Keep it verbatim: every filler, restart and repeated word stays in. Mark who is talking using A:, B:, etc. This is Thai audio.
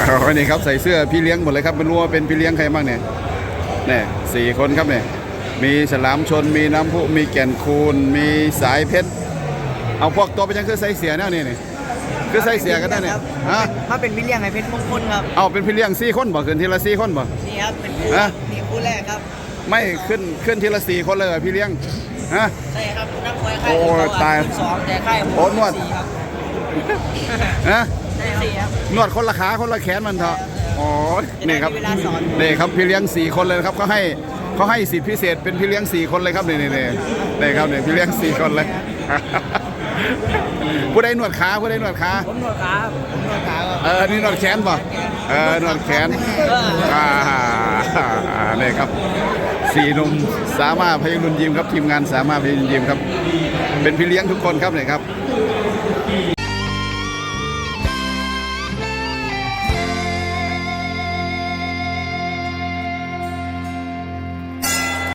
A: อ๋อนี่ครับใส่เสื้อพี่เลี้ยงหมดเลยครับไม่รู้ว่าเป็นพี่เลี้ยงใครบ้างเนี่ยเนี่ยสี่คนครับเนี่ยมีฉลามชนมีน้ำพุมีแก่นคูนมีสายเพชรเอาพวกตัวไปยังคือใส่เสียแนวนี่นี่คือใส่เสียกันได้เนี่ยฮะ
B: ถ้าเป็นวิลเลียงไงเพชรมงคลครับ
A: เอาเป็นพี่เลี้ยงสี่คนบ่ขึ้นทีละสี่คนบ่
B: นี่ครับเป็นคู่
A: ฮะ
B: นี่คู่แรกครับ
A: ไม่ขึ้นขึ้นทีละสี่คนเลยเหรอพี่เลี้ยงฮะ
B: ใช่ครับนักมวยค่าย
A: โอ้
B: อื่นเข
A: ตาย
B: คู่สองแต่ค่ายผม
A: โอ้นวด
B: สี่ครับ
A: ฮะ
B: ใช่สี่ครับ
A: นวดคนละขาคนละแขนมันเถอะอ๋อนี่ครับ
B: จะได้มีเวลาสอน
A: นี่ครับพี่เลี้ยงสี่คนเลยนะครับเขาให้เขาให้สิทธิพิเศษเป็นพี่เลี้ยงสี่คนเลยครับนี่นี่นี่นี่ครับนี่พี่เลี้ยงสี่คนเลย ผู้ใดนวดขาผู้ใดนวดขา
B: ผมนวดขาครับผมนวดขาครับ
A: เออนี่นวดแขนป่ะเออนวดแขนอ่านี่ครับสี่หนุ่มสามารถพยัญชนะยิมครับทีมงานสามารถพยัญชนะยิมครับเป็นพี่เลี้ยงทุกคนครับเนี่ยครับ